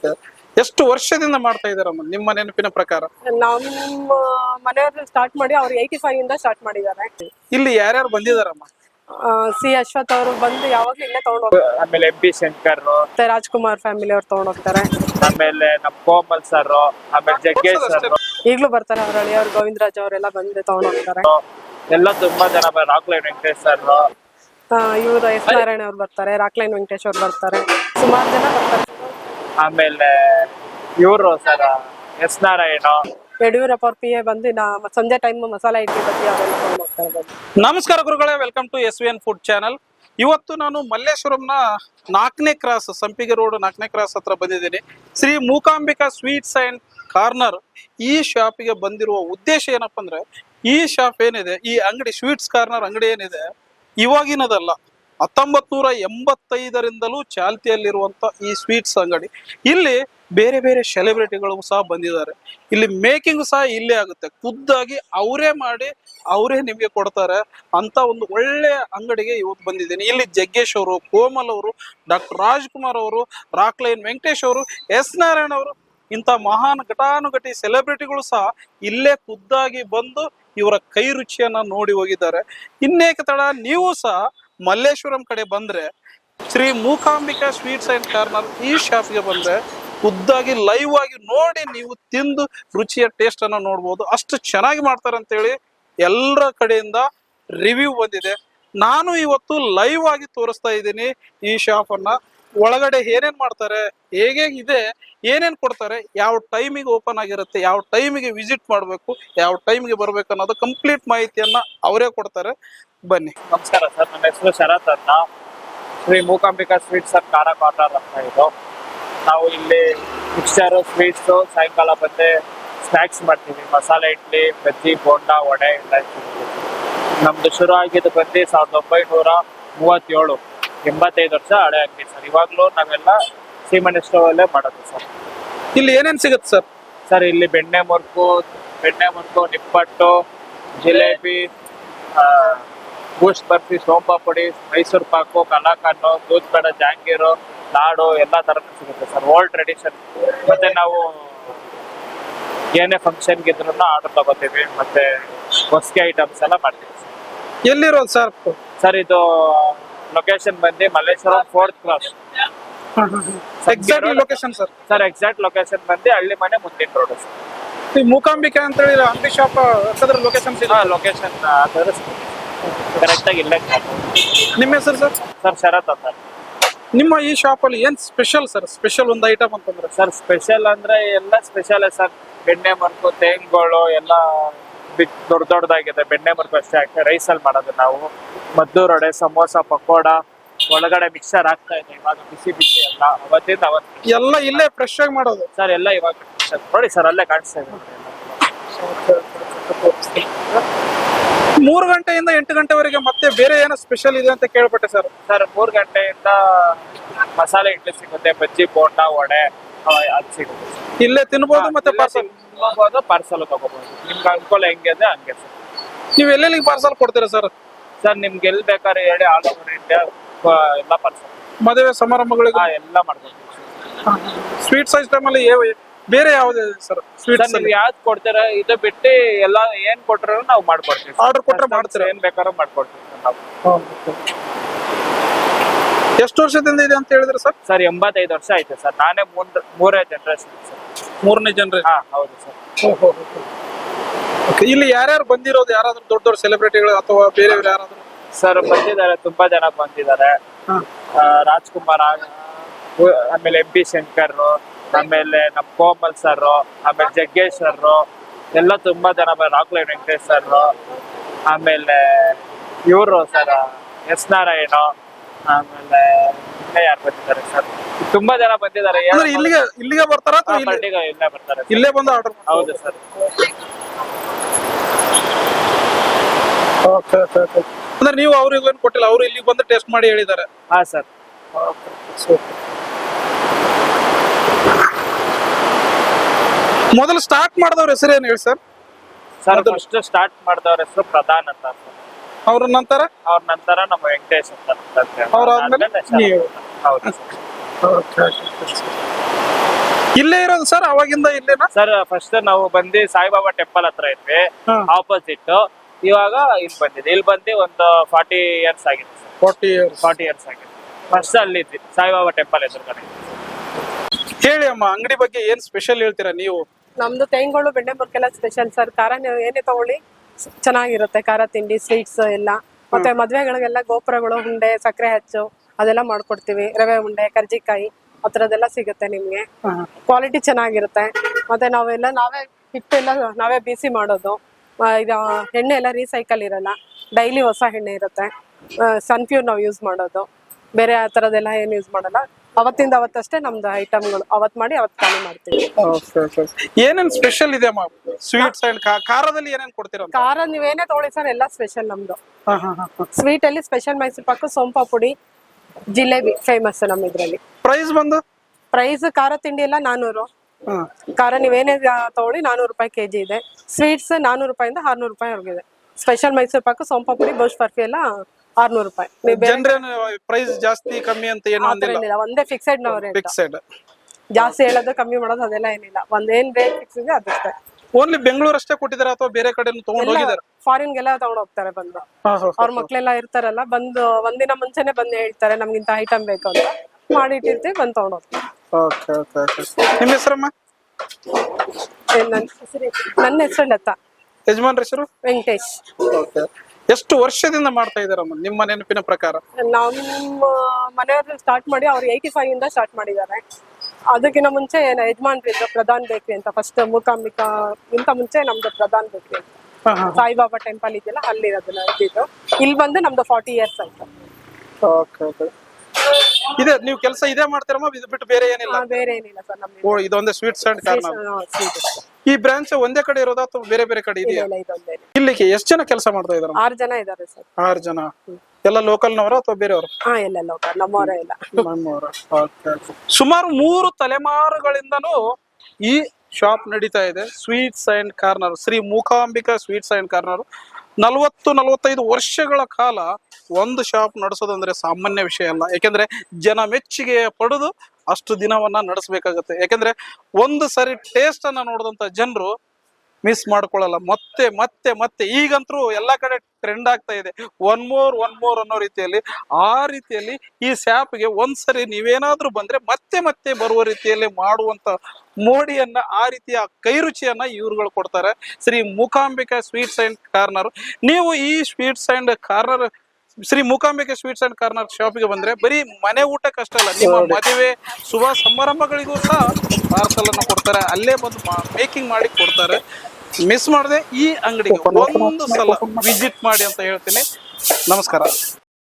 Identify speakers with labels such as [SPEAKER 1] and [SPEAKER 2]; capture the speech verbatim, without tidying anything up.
[SPEAKER 1] Okay. ಎಷ್ಟು ವರ್ಷದಿಂದ ಮಾಡ್ತಾ ಇದಾರಮ್ಮ ನಿಮ್ಮ ನೆನಪಿನ ಪ್ರಕಾರ?
[SPEAKER 2] ನಮ್ಮ ಮನೆಯವ್ರು ಸ್ಟಾರ್ಟ್ ಮಾಡಿ ಅವ್ರು ಏಯ್ಟಿ ಫೈವ್ ಇಂದ ಸ್ಟಾರ್ಟ್ ಮಾಡಿದ್ದಾರೆ.
[SPEAKER 1] ಇಲ್ಲಿ ಯಾರ್ಯಾರು ಬಂದಿದಾರಮ್ಮ?
[SPEAKER 2] ಸಿ ಅಶ್ವಥ್ ಅವರು ಬಂದು ಯಾವಾಗ್ಲೂ ಇಲ್ಲೇ ತಗೊಂಡ್ ಹೋಗ್ತಾರೆ.
[SPEAKER 3] ಆಮೇಲೆ ಎಂ ಪಿ ಶಂಕರ್,
[SPEAKER 2] ಮತ್ತೆ ರಾಜ್ಕುಮಾರ್ ಫ್ಯಾಮಿಲಿ ಅವ್ರು ತಗೊಂಡ್ ಹೋಗ್ತಾರೆ.
[SPEAKER 3] ಆಮೇಲೆ ನಮ್ ಕೋಮಲ್ ಸರ್, ಆಮೇಲೆ ಜಗ್ಗೇಶ್ ಸರ್
[SPEAKER 2] ಈಗ್ಲೂ ಬರ್ತಾರೆ. ಅವ್ರ ಹಳಿಯವ್ರು ಗೋವಿಂದರಾಜ್ ಅವರೆಲ್ಲ ಬಂದು ತಗೊಂಡ್ ಹೋಗ್ತಾರೆ.
[SPEAKER 3] ಎಲ್ಲ ತುಂಬಾ ಜನ ರಾಕ್ಲೈನ್ ವೆಂಕಟೇಶ್ ಸರ್,
[SPEAKER 2] ಇವ್ರು ಎಸ್ ನಾರಾಯಣ ಅವ್ರು ಬರ್ತಾರೆ, ರಾಕ್ಲೈನ್ ವೆಂಕಟೇಶ್ ಅವ್ರು ಬರ್ತಾರೆ, ಸುಮಾರು ಜನ ಬರ್ತಾರೆ.
[SPEAKER 3] ಆಮೇಲೆ ಇವರು ಸರ್ ಎಸ್ ನಾರಾಯಣ,
[SPEAKER 2] ಯಡಿಯೂರಪ್ಪ ಅವ್ರ ಪಿ ಎ ಬಂದು ನಾ- ಸಂಜೆ ಟೈಮ್ ಮಸಾಲಾ ಇಡ್ಲಿ ಬಗ್ಗೆ ಅವೆಲ್ಲ ತಗೊಂಡ್ ಹೋಗ್ತಾರೆ.
[SPEAKER 1] ನಮಸ್ಕಾರ ಗುರುಗಳೇ, welcome to S V N food channel. ಇವತ್ತು ನಾನು ಮಲ್ಲೇಶ್ವರಂನ ನಾಲ್ಕನೇ ಕ್ರಾಸ್, ಸಂಪಿಗೆ ರೋಡ್ ನಾಲ್ಕನೇ ಕ್ರಾಸ್ ಹತ್ರ ಬಂದಿದ್ದೀನಿ. Shri Mookambika sweets and corner ಈ ಶಾಪಿಗೆ ಬಂದಿರುವ ಉದ್ದೇಶ ಏನಪ್ಪ ಅಂದ್ರೆ, ಈ ಶಾಪ್ ಏನಿದೆ, ಈ ಅಂಗಡಿ ಸ್ವೀಟ್ಸ್ ಕಾರ್ನರ್ ಅಂಗಡಿ ಏನಿದೆ, ಇವಾಗಿನದಲ್ಲ, ಹತ್ತೊಂಬತ್ ನೂರ ಎಂಬತ್ತೈದರಿಂದಲೂ ಚಾಲ್ತಿಯಲ್ಲಿರುವಂತ ಈ ಸ್ವೀಟ್ಸ್ ಅಂಗಡಿ. ಇಲ್ಲಿ ಬೇರೆ ಬೇರೆ ಸೆಲೆಬ್ರಿಟಿಗಳು ಸಹ ಬಂದಿದ್ದಾರೆ. ಇಲ್ಲಿ ಮೇಕಿಂಗ್ ಸಹ ಇಲ್ಲೇ ಆಗುತ್ತೆ, ಖುದ್ದಾಗಿ ಅವರೇ ಮಾಡಿ ಅವರೇ ನಿಮಗೆ ಕೊಡ್ತಾರೆ ಅಂತ ಒಂದು ಒಳ್ಳೆಯ ಅಂಗಡಿಗೆ ಇವತ್ತು ಬಂದಿದ್ದೀನಿ. ಇಲ್ಲಿ ಜಗ್ಗೇಶ್ ಅವರು, ಕೋಮಲ್ ಅವರು, ಡಾಕ್ಟರ್ ರಾಜ್ಕುಮಾರ್ ಅವರು, ರಾಕ್ಲೈನ್ ವೆಂಕಟೇಶ್ ಅವರು, ಎಸ್ ನಾರಾಯಣ ಅವರು, ಇಂಥ ಮಹಾನ್ ಘಟಾನುಘಟಿ ಸೆಲೆಬ್ರಿಟಿಗಳು ಸಹ ಇಲ್ಲೇ ಖುದ್ದಾಗಿ ಬಂದು ಇವರ ಕೈ ರುಚಿಯನ್ನ ನೋಡಿ ಹೋಗಿದ್ದಾರೆ. ಇನ್ನೇಕ ತಡ ನೀವು ಸಹ ಮಲ್ಲೇಶ್ವರಂ ಕಡೆ ಬಂದ್ರೆ Shri Mookambika sweets and corner ಈ ಶಾಪ್ಗೆ ಬಂದ್ರೆ ಖುದ್ದಾಗಿ ಲೈವ್ ಆಗಿ ನೋಡಿ ನೀವು ತಿಂದು ರುಚಿಯ ಟೇಸ್ಟ್ ಅನ್ನ ನೋಡ್ಬೋದು. ಅಷ್ಟು ಚೆನ್ನಾಗಿ ಮಾಡ್ತಾರೆ ಅಂತೇಳಿ ಎಲ್ಲರ ಕಡೆಯಿಂದ ರಿವ್ಯೂ ಬಂದಿದೆ. ನಾನು ಇವತ್ತು ಲೈವ್ ಆಗಿ ತೋರಿಸ್ತಾ ಇದ್ದೀನಿ ಈ ಶಾಪ್ ಅನ್ನ. ಒಳಗಡೆ ಏನೇನ್ ಮಾಡ್ತಾರೆ, ಹೇಗೆ ಇದೆ, ಏನೇನ್ ಕೊಡ್ತಾರೆ, ಯಾವ ಟೈಮಿಗೆ ಓಪನ್ ಆಗಿರುತ್ತೆ, ಯಾವ ಟೈಮಿಗೆ ವಿಸಿಟ್ ಮಾಡಬೇಕು, ಯಾವ ಟೈಮಿಗೆ ಬರ್ಬೇಕು ಅನ್ನೋದು ಕಂಪ್ಲೀಟ್ ಮಾಹಿತಿಯನ್ನ ಅವರೇ ಕೊಡ್ತಾರೆ. ಬನ್ನಿ.
[SPEAKER 3] ನಮಸ್ಕಾರ ಸರ್, ನನ್ನ ಹೆಸರು ಶರತ್ ಅಂತ. ಶ್ರೀ ಮೂಕಾಂಬಿಕಾ ಸ್ವೀಟ್ಸ್ ಅಂಡ್ ಖಾರ ಕಾರ್ನರ್ ಅಂತ ಇದು. ನಾವು ಇಲ್ಲಿ ಮಿಕ್ಸ್ಚರು, ಸ್ವೀಟ್ಸು, ಸಾಯಂಕಾಲ ಬಂದು ಸ್ನ್ಯಾಕ್ಸ್ ಮಾಡ್ತೀವಿ. ಮಸಾಲೆ ಇಡ್ಲಿ, ಬಜ್ಜಿ, ಬೋಂಡಾ, ವಡೆ ಎಲ್ಲ ಇರ್ತೀವಿ. ನಮ್ದು ಶುರು ಆಗಿದ್ದು ಬಂದು ಸಾವಿರದ ಒಂಬೈನೂರ ಮೂವತ್ತೇಳು, ಎಂಬತ್ತೈದು ವರ್ಷ ಹಳೆ ಅಂಗಡಿ ಸರ್. ಇವಾಗಲೂ ನಾವೆಲ್ಲ ಸೀಮೆಣ್ಣೆ ಸ್ಟೋವಲ್ಲೇ ಮಾಡೋದು ಸರ್.
[SPEAKER 1] ಇಲ್ಲಿ ಏನೇನ್ ಸಿಗುತ್ತೆ ಸರ್?
[SPEAKER 3] ಸರ್ ಇಲ್ಲಿ ಬೆಣ್ಣೆ ಮುರ್ಕು, ಬೆಣ್ಣೆ ಮುರ್ಕು, ನಿಪ್ಪಟ್ಟು, ಜಿಲೇಬಿ, ಬೂಸ್ಟ್ ಬರ್ಫಿ, ಸೋಂಪಾ ಪುಡಿ, ಮೈಸೂರು ಪಾಕು, ಕಲಾಕನ್ನು, ದೂದ್ ಬೇಡ, ಜಾಂಗೀರು, ಲಾಡು ಎಲ್ಲ ಥರನೂ ಸಿಗುತ್ತೆ ಸರ್. Old tradition. ಮತ್ತೆ ನಾವು ಏನೇ ಫಂಕ್ಷನ್ಗೆ ಇದ್ರೂ ಆರ್ಡರ್ ತಗೋತೀವಿ. ಮತ್ತೆ ಹೊಸಗೆ ಐಟಮ್ಸ್ ಎಲ್ಲ ಮಾಡ್ತೀವಿ ಸರ್.
[SPEAKER 1] ಎಲ್ಲಿರೋದು ಸರ್?
[SPEAKER 3] ಸರ್ ಇದು ಲೊಕೇಶನ್ ಬಂದು Malleshwaram fourth cross.
[SPEAKER 1] Exact location sir?
[SPEAKER 3] Sir exact location ಬಂದು ಹಳ್ಳಿ ಮನೆ ಮುಂದಿನ ರೋಡ್ ಸರ್.
[SPEAKER 1] ಈ ಮೂಕಾಂಬಿಕಾ ಅಂತ ಹೇಳಿ ಅಂಗಡಿ ಶಾಪ್ ಲೊಕೇಶನ್
[SPEAKER 3] ಲೊಕೇಶನ್ ಕರೆಕ್ಟ್ ಆಗಿ ಇಲ್ಲ.
[SPEAKER 1] ನಿಮ್ಮ ಹೆಸರು ಸರ್?
[SPEAKER 3] ಸರ್ ಶರತ್ ಅಂತ.
[SPEAKER 1] ನಿಮ್ಮ ಈ ಶಾಪ್ ಅಲ್ಲಿ ಏನ್ ಸ್ಪೆಷಲ್ ಸರ್? ಸ್ಪೆಷಲ್ ಒಂದು ಐಟಮ್ ಅಂತಂದ್ರೆ
[SPEAKER 3] ಸರ್ ಸ್ಪೆಷಲ್ ಅಂದ್ರೆ ಎಲ್ಲ ಸ್ಪೆಷಲ್ ಸರ್. ಬೆಣ್ಣೆ ಮರ್ಕು, ತೇಂಗುಗಳು ಎಲ್ಲ ಬಿಗ್ ದೊಡ್ಡ ದೊಡ್ಡದಾಗಿದೆ. ಬೆಣ್ಣೆ ಮರ್ಕು ಅಷ್ಟೇ ಹಾಕಿ ರೈಸ್ ಅಲ್ಲಿ ಮಾಡೋದು ನಾವು. ಮದ್ದೂರು ವಡೆ, ಸಮೋಸ, ಪಕೋಡ, ಒಳಗಡೆ ಮಿಕ್ಸರ್ ಹಾಕ್ತಾ ಇದೆ ಇವಾಗ ಬಿಸಿ ಬಿಸಿ ಎಲ್ಲ. ಅವತ್ತಿಂದ ಅವತ್ತು
[SPEAKER 1] ಎಲ್ಲ ಇಲ್ಲೇ ಫ್ರೆಶ್ ಆಗಿ ಮಾಡೋದು
[SPEAKER 3] ಸರ್. ಎಲ್ಲ ಇವಾಗ ನೋಡಿ ಸರ್, ಅಲ್ಲೇ ಕಾಣಿಸ್ತಾ ಇದೆ.
[SPEAKER 1] ಮೂರು ಗಂಟೆಯಿಂದ ಎಂಟು ಗಂಟೆವರೆಗೆ ಮತ್ತೆ ಬೇರೆ ಏನೋ ಸ್ಪೆಷಲ್ ಇದೆ ಅಂತ ಕೇಳ್ಪಟ್ಟೆ ಸರ್.
[SPEAKER 3] ಸರ್ ಮೂರು ಗಂಟೆಯಿಂದ ಮಸಾಲೆ ಇಡ್ಲಿ ಸಿಗುತ್ತೆ, ಬಜ್ಜಿ, ಬೋಂಡಾ, ವಡೆ ಅದು ಸಿಗುತ್ತೆ.
[SPEAKER 1] ಇಲ್ಲೇ ತಿನ್ಬೋದು ಮತ್ತೆ ಪಾರ್ಸಲ್
[SPEAKER 3] ತಿನ್ಬೋದು, ಪಾರ್ಸಲ್ ತಗೋಬಹುದು. ನಿಮ್ಗೆ ಅನುಕೂಲ ಹೆಂಗೆ ಅಂದ್ರೆ ಹಂಗೆ ಸರ್.
[SPEAKER 1] ನೀವು ಎಲ್ಲೆಲ್ಲಿಗೆ ಪಾರ್ಸಲ್ ಕೊಡ್ತೀರಾ ಸರ್?
[SPEAKER 3] ಸರ್ ನಿಮ್ಗೆ ಎಲ್ಲಿ ಬೇಕಾದ್ರೆ ಹೇಳಿ, ಆಲ್ ಓವರ್ ಇಂಡಿಯಾ ಎಲ್ಲ ಪಾರ್ಸಲ್.
[SPEAKER 1] ಮದುವೆ ಸಮಾರಂಭಗಳಿಗೆ
[SPEAKER 3] ಎಲ್ಲ ಮಾಡ್ಕೊಡ್ತೀವಿ.
[SPEAKER 1] ಸ್ವೀಟ್ಸ್ ಐಟಮ್ ಅಲ್ಲಿ ಬೇರೆ ಯಾವ್ದು ಸರ್? ಸ್ವೀಟ್ಸ್
[SPEAKER 3] ನೀವು ಯಾವ್ದು ಕೊಡ್ತೀರಾ ಇದು ಬಿಟ್ಟು ಎಲ್ಲ ಏನ್ ಕೊಟ್ರು ನಾವು ಮಾಡ್ಕೊಡ್ತೀವಿ.
[SPEAKER 1] ಆರ್ಡರ್ ಕೊಟ್ರೆ ಮಾಡ್ತೀರಾ?
[SPEAKER 3] ಏನ್ ಬೇಕಾದ್ರೂ ಮಾಡ್ಕೊಡ್ತೀವಿ ನಾವು.
[SPEAKER 1] ಎಷ್ಟು ವರ್ಷದಿಂದ ಇದೆ ಅಂತ ಹೇಳಿದ್ರೆ ಸರ್?
[SPEAKER 3] ಸರ್ ಎಂಬತ್ತೈದು ವರ್ಷ ಆಯ್ತು ಸರ್. ನಾನೇ ಮೂರ್ ಮೂರೇ ಜನರೇಷನ್ ಸರ್.
[SPEAKER 1] ಮೂರನೇ ಜನರೇಷನ್?
[SPEAKER 3] ಹಾ ಹೌದು ಸರ್.
[SPEAKER 1] ಇಲ್ಲಿ ಯಾರ್ಯಾರು ಬಂದಿರೋದು? ಯಾರಾದ್ರೂ ದೊಡ್ಡ ದೊಡ್ಡ ಸೆಲೆಬ್ರಿಟಿಗಳು ಅಥವಾ ಬೇರೆ ಯಾರಾದ್ರೂ?
[SPEAKER 3] ಸರ್ ಬಂದಿದ್ದಾರೆ, ತುಂಬಾ ಜನ ಬಂದಿದ್ದಾರೆ. ರಾಜ್ಕುಮಾರ್, ಆಮೇಲೆ ಎಂ ಪಿ ಶಂಕರ್, ಆಮೇಲೆ ನಮ್ ಕೋಮಲ್ ಸರ್, ಆಮೇಲೆ ಜಗ್ಗೇಶ್ ಸರ್, ಎಲ್ಲ ತುಂಬಾ ಜನ. ರಾಕ್ಲೈನ್ ವೆಂಕಟೇಶ್ ಸರ್, ಆಮೇಲೆ ಇವರು ಸರ್ ಎಸ್ ನಾರಾಯಣ, ಆಮೇಲೆ ಇಲ್ಲೇ ಯಾರು ಬಂದಿದ್ದಾರೆ ಸರ್, ತುಂಬಾ ಜನ ಬಂದಿದ್ದಾರೆ.
[SPEAKER 1] ಇಲ್ಲಿಗೆ ಇಲ್ಲಿಗೆ ಬರ್ತಾರ?
[SPEAKER 3] ಇಲ್ಲೇ ಬರ್ತಾರೆ,
[SPEAKER 1] ಇಲ್ಲೇ ಬಂದು ಆರ್ಡರ್?
[SPEAKER 3] ಹೌದು ಸರ್.
[SPEAKER 1] ಅಂದ್ರೆ ನೀವು ಅವ್ರಿಗೆ ಏನು ಕೊಟ್ಟಿಲ್ಲ, ಅವರು ಇಲ್ಲಿಗೆ ಬಂದು ಟೇಸ್ಟ್ ಮಾಡಿ ಹೇಳಿದ್ದಾರೆ?
[SPEAKER 3] ಹಾ ಸರ್.
[SPEAKER 1] ಮೊದಲು ಸ್ಟಾರ್ಟ್ ಮಾಡಿದವ್ರ ಹೆಸರು ಏನ್ ಹೇಳಿ ಸರ್?
[SPEAKER 3] ಸರ್ ಫಸ್ಟ್ ಸ್ಟಾರ್ಟ್ ಮಾಡಿದವ್ರ ಹೆಸರು ಪ್ರಧಾನ್ ಅಂತ ಸರ್.
[SPEAKER 1] ಅವ್ರ ನಂತರ?
[SPEAKER 3] ಅವ್ರ ನಂತರ ನಮ್ಮ ವೆಂಕಟೇಶ್ ಅಂತ.
[SPEAKER 1] ಅವ್ರ ಆದ್ಮೇಲೆ ನೀವು?
[SPEAKER 3] ಹೌದು ಸರ್.
[SPEAKER 1] ಇಲ್ಲೇ ಇರೋದು ಸರ್ ಅವಾಗಿಂದ ಇಲ್ಲೇನಾ?
[SPEAKER 3] ಸರ್ ಫಸ್ಟ್ ನಾವು ಬಂದು ಸಾಯಿಬಾಬಾ ಟೆಂಪಲ್ ಹತ್ರ ಇದ್ವಿ,
[SPEAKER 1] ಹಾ.
[SPEAKER 3] ಆಪೋಸಿಟ್. ಇವಾಗ ಇಲ್ಲಿ ಬಂದಿದೆ. ಇಲ್ಲಿ ಬಂದು ಒಂದು ಫಾರ್ಟಿ ಇಯರ್ಸ್ ಆಗಿದೆ sir.
[SPEAKER 1] Forty years
[SPEAKER 3] forty years ಆಗಿದೆ. ಫಸ್ಟ್ ಅಲ್ಲಿದ್ವಿ ಸಾಯಿಬಾಬಾ ಟೆಂಪಲ್ ಎದುರುಗಡೆ.
[SPEAKER 1] ಹೇಳಿ ಅಮ್ಮ, ಅಂಗಡಿ ಬಗ್ಗೆ ಏನ್ ಸ್ಪೆಷಲ್ ಹೇಳ್ತೀರಾ ನೀವು?
[SPEAKER 2] ನಮ್ದು ತೆಂಗುಗಳು ಬೆಣ್ಣೆ ಮುರ್ಕೆಲ್ಲ ಸ್ಪೆಷಲ್ ಸರ್. ಖಾರ ನೀವು ಏನೇ ತಗೊಳ್ಳಿ ಸ್- ಚೆನ್ನಾಗಿರುತ್ತೆ. ಖಾರ ತಿಂಡಿ, ಸ್ವೀಟ್ಸ್ ಎಲ್ಲ. ಮತ್ತೆ ಮದ್ವೆಗಳಿಗೆಲ್ಲ ಗೋಪುರಗಳು, ಉಂಡೆ, ಸಕ್ಕರೆ ಹಚ್ಚು ಅದೆಲ್ಲ ಮಾಡ್ಕೊಡ್ತೀವಿ. ರವೆ ಉಂಡೆ, ಕರ್ಜಿಕಾಯಿ ಆ ಥರದ್ದೆಲ್ಲ ಸಿಗುತ್ತೆ ನಿಮ್ಗೆ. ಕ್ವಾಲಿಟಿ ಚೆನ್ನಾಗಿರುತ್ತೆ. ಮತ್ತೆ ನಾವೆಲ್ಲ ನಾವೇ ಹಿಟ್ಟೆಲ್ಲ ನಾವೇ ಬೀಸಿ ಮಾಡೋದು. ಆ, ಈಗ ಎಣ್ಣೆ ಎಲ್ಲ ರೀಸೈಕಲ್ ಇರಲ್ಲ, ಡೈಲಿ ಹೊಸ ಎಣ್ಣೆ ಇರುತ್ತೆ. ಸನ್ಪ್ಯೂರ್ ನಾವು ಯೂಸ್ ಮಾಡೋದು, ಬೇರೆ ಆ ಥರದ್ದೆಲ್ಲ ಏನು ಯೂಸ್ ಮಾಡಲ್ಲ. ಅವತ್ತಿಂದ ಅವತ್ತಷ್ಟೇ ನಮ್ದು ಐಟಮ್ಗಳು ಅವತ್ ಮಾಡಿ ಅವತ್ ಖಾಲಿ ಮಾಡ್ತೀವಿ.
[SPEAKER 1] ಏನೇನ್ ಸ್ಪೆಷಲ್ ಇದೆ ಅಮ್ಮ? ಸ್ವೀಟ್ಸ್ ಅಂಡ್ ಖಾರದಲ್ಲಿ ಏನೇನ್ ಕೊಡ್ತೀರಾ?
[SPEAKER 2] ಖಾರ ನೀವೇನೇ ತಗೊಳ್ಳಿ ಸರ್ ಎಲ್ಲ ಸ್ಪೆಷಲ್ ನಮ್ದು. ಸ್ವೀಟ್ ಅಲ್ಲಿ ಸ್ಪೆಷಲ್ ಮೈಸೂರು ಪಾಕು, ಸೋಂಪ ಪುಡಿ, ಜಿಲೇಬಿ ಫೇಮಸ್ ನಮ್ಮ ಇದ್ರಲ್ಲಿ.
[SPEAKER 1] ಪ್ರೈಸ್ ಬಂದು
[SPEAKER 2] ಪ್ರೈಸ್ ಖಾರ ತಿಂಡಿ ಎಲ್ಲ ನಾನೂರು. ಖಾರ ನೀವೇನೇ ತಗೊಳ್ಳಿ ನಾನೂರು ರೂಪಾಯಿ ಕೆಜಿ ಇದೆ. ಸ್ವೀಟ್ಸ್ ನಾನೂರು ರೂಪಾಯಿಂದ ಆರ್ನೂರು ರೂಪಾಯಿ ವರ್ಗಿದೆ. ಸ್ಪೆಷಲ್ ಮೈಸೂರು ಪಾಕು, ಸೋಂಪ ಪುಡಿ, ಬೋಸ್ ಬರ್ಫಿ ಎಲ್ಲ ಆರ್ನೂರು ರೂಪಾಯಿ. ನೀವು ಬೇರೆ
[SPEAKER 1] ಜನರೇನು ಪ್ರೈಸ್ ಜಾಸ್ತಿ ಕಮ್ಮಿ ಅಂತ ಏನು
[SPEAKER 2] ಆ ಥರ
[SPEAKER 1] ಅಂದಿಲ್ಲ?
[SPEAKER 2] ಏನಿಲ್ಲ, ಒಂದೇ ಫಿಕ್ಸೆಡ್ ನಾವು ರೇಟ್.
[SPEAKER 1] ಫಿಕ್ಸೆಡ್.
[SPEAKER 2] ಜಾಸ್ತಿ ಹೇಳೋದು ಕಮ್ಮಿ ಮಾಡೋದು ಅದೆಲ್ಲ ಏನಿಲ್ಲ. ಒಂದೇನ್ ರೇಟ್ ಫಿಕ್ಸ್ ಇದೆ ಅದಷ್ಟೇ.
[SPEAKER 1] ಓನ್ಲಿ ಬೆಂಗಳೂರು ಅಷ್ಟೇ ಕೊಟ್ಟಿದ್ದಾರೆ ಅಥವಾ ಬೇರೆ ಕಡೆ ತಗೊಂಡು ಹೋಗಿದ್ದಾರೆ?
[SPEAKER 2] ಫಾರಿನ್ಗೆಲ್ಲ ತಗೊಂಡ್ ಹೋಗ್ತಾರೆ ಬಂದು. ಅವ್ರ ಮಕ್ಳೆಲ್ಲ ಇರ್ತಾರಲ್ಲ, ಬಂದು ಒಂದಿನ ಮುಂಚೆನೆ ಬಂದು ಹೇಳ್ತಾರೆ ನಮ್ಗಿಂತ ಐಟಮ್ ಬೇಕು ಅಂತ, ಮಾಡಿಟ್ಟಿರ್ತೀವಿ, ಬಂದು ತಗೊಂಡ್ ಹೋಗ್ತಾರೆ.
[SPEAKER 1] Okay okay okay. ನಿಮ್ಮ ಹೆಸರಮ್ಮ?
[SPEAKER 2] ಏನ್ ನನ್ ನನ್ನ ಹೆಸರು ಲತಾ.
[SPEAKER 1] ಯಜಮಾನ್ರ ಹೆಸರು?
[SPEAKER 2] ವೆಂಕಟೇಶ್.
[SPEAKER 1] ಓಕೆ. ಎಷ್ಟು ವರ್ಷದಿಂದ ಮಾಡ್ತಾ ಇದ್ದಾರಮ್ಮ ನಿಮ್ಮ ನೆನಪಿನ ಪ್ರಕಾರ?
[SPEAKER 2] ನಮ್ಮ ಮನೆಯವ್ರು ಸ್ಟಾರ್ಟ್ ಮಾಡಿ ಅವ್ರು ಏಯ್ಟಿ ಫೈವ್ ಇಂದ ಸ್ಟಾರ್ಟ್ ಮಾಡಿದ್ದಾರೆ. ಅದಕ್ಕಿಂತ ಮುಂಚೆ ಏನ್ ಯಜಮಾನ್ರು ಇದ್ರು, ಪ್ರಧಾನ್ ಬೇಕ್ರಿ ಅಂತ. ಫಸ್ಟ್ ಮೂಕಾಂಬಿಕಾ ಇಂತ ಮುಂಚೆ ನಮ್ದು ಪ್ರಧಾನ್ ಬೇಕ್ರಿ ಅಂತ, ಸಾಯಿಬಾಬಾ ಟೆಂಪಲ್ ಇದೆಯಲ್ಲ ಅಲ್ಲಿ ಅದನ್ನ ಇದ್ದಿದ್ದು. ಇಲ್ಲಿ ಬಂದು ನಮ್ದು ಫಾರ್ಟಿ ಇಯರ್ಸ್ ಆಯ್ತು.
[SPEAKER 1] Okay okay. ಇದೆ ನೀವು ಕೆಲಸ ಇದೇ ಮಾಡ್ತೀರಮ್ಮ, ಇದು ಬಿಟ್ಟು ಬೇರೆ ಏನಿಲ್ಲ?
[SPEAKER 2] ಆ, ಬೇರೆ ಏನಿಲ್ಲ ಸರ್ ನಮ್ಗೆ.
[SPEAKER 1] ಓ, ಇದೊಂದೇ ಸ್ವೀಟ್ಸ್ ಅಂಡ್ ಕಾರ್ನರ್.
[SPEAKER 2] ಸ್ವೀಟ್
[SPEAKER 1] ಈ ಬ್ರಾಂಚ್ ಒಂದೇ ಕಡೆ ಇರೋದಾ ಅಥವಾ ಬೇರೆ ಬೇರೆ ಕಡೆ ಇದೆಯಾ?
[SPEAKER 2] ಇಲ್ಲ, ಇದೊಂದೇ.
[SPEAKER 1] ಇಲ್ಲಿಗೆ ಎಷ್ಟು ಜನ ಕೆಲಸ ಮಾಡ್ತಾ ಇದಾರ?
[SPEAKER 2] ಆರು ಜನ ಇದ್ದಾರೆ ಸರ್.
[SPEAKER 1] ಆರು ಜನ. ಎಲ್ಲ ಲೋಕಲ್ನವರ ಅಥವಾ ಬೇರೆಯವರು?
[SPEAKER 2] ಹಾ, ಎಲ್ಲ ಲೋಕಲ್ ನಮ್ಮವರೇ ಇಲ್ಲ.
[SPEAKER 1] ಸುಮಾರು ಮೂರು ತಲೆಮಾರುಗಳಿಂದನೂ ಈ ಶಾಪ್ ನಡೀತಾ ಇದೆ. Sweets and corner, Shri Mookambika sweets and corner. ನಲವತ್ತು ನಲವತ್ತೈದು ವರ್ಷಗಳ ಕಾಲ ಒಂದು ಶಾಪ್ ನಡೆಸೋದಂದ್ರೆ ಸಾಮಾನ್ಯ ವಿಷಯ ಅಲ್ಲ. ಯಾಕೆಂದ್ರೆ ಜನ ಮೆಚ್ಚುಗೆ ಪಡೆದು ಅಷ್ಟು ದಿನವನ್ನ ನಡೆಸಬೇಕಾಗತ್ತೆ. ಯಾಕೆಂದ್ರೆ ಒಂದು ಸರಿ ಟೇಸ್ಟ್ ಅನ್ನ ನೋಡಿದಂತ ಜನರು ಮಿಸ್ ಮಾಡ್ಕೊಳ್ಳಲ್ಲ, ಮತ್ತೆ ಮತ್ತೆ ಮತ್ತೆ. ಈಗಂತೂ ಎಲ್ಲಾ ಕಡೆ ಟ್ರೆಂಡ್ ಆಗ್ತಾ ಇದೆ, ಒನ್ ಮೋರ್ ಒನ್ ಮೋರ್ ಅನ್ನೋ ರೀತಿಯಲ್ಲಿ. ಆ ರೀತಿಯಲ್ಲಿ ಈ ಸ್ಯಾಪ್ಗೆ ಒಂದ್ಸರಿ ನೀವೇನಾದ್ರೂ ಬಂದ್ರೆ ಮತ್ತೆ ಮತ್ತೆ ಬರುವ ರೀತಿಯಲ್ಲಿ ಮಾಡುವಂತ ಮೋಡಿಯನ್ನ, ಆ ರೀತಿಯ ಕೈ ರುಚಿಯನ್ನ ಇವ್ರುಗಳು ಕೊಡ್ತಾರೆ, Shri Mookambika sweets and corner. ನೀವು ಈ sweets and corner, Shri Mookambike sweets and corner ಶಾಪಿಗೆ ಬಂದ್ರೆ ಬರೀ ಮನೆ ಊಟಕ್ಕಷ್ಟೇ ಅಲ್ಲ, ನಿಮ್ಮ ಮದುವೆ ಶುಭ ಸಮಾರಂಭಗಳಿಗೂ ಸಹ ಪಾರ್ಸಲ್ ಅನ್ನು ಕೊಡ್ತಾರೆ, ಅಲ್ಲೇ ಬಂದು ಮೇಕಿಂಗ್ ಮಾಡಿ ಕೊಡ್ತಾರೆ. ಮಿಸ್ ಮಾಡದೆ ಈ ಅಂಗಡಿಗೆ ಒಂದು ಸಲ ವಿಸಿಟ್ ಮಾಡಿ ಅಂತ ಹೇಳ್ತೀನಿ. ನಮಸ್ಕಾರ.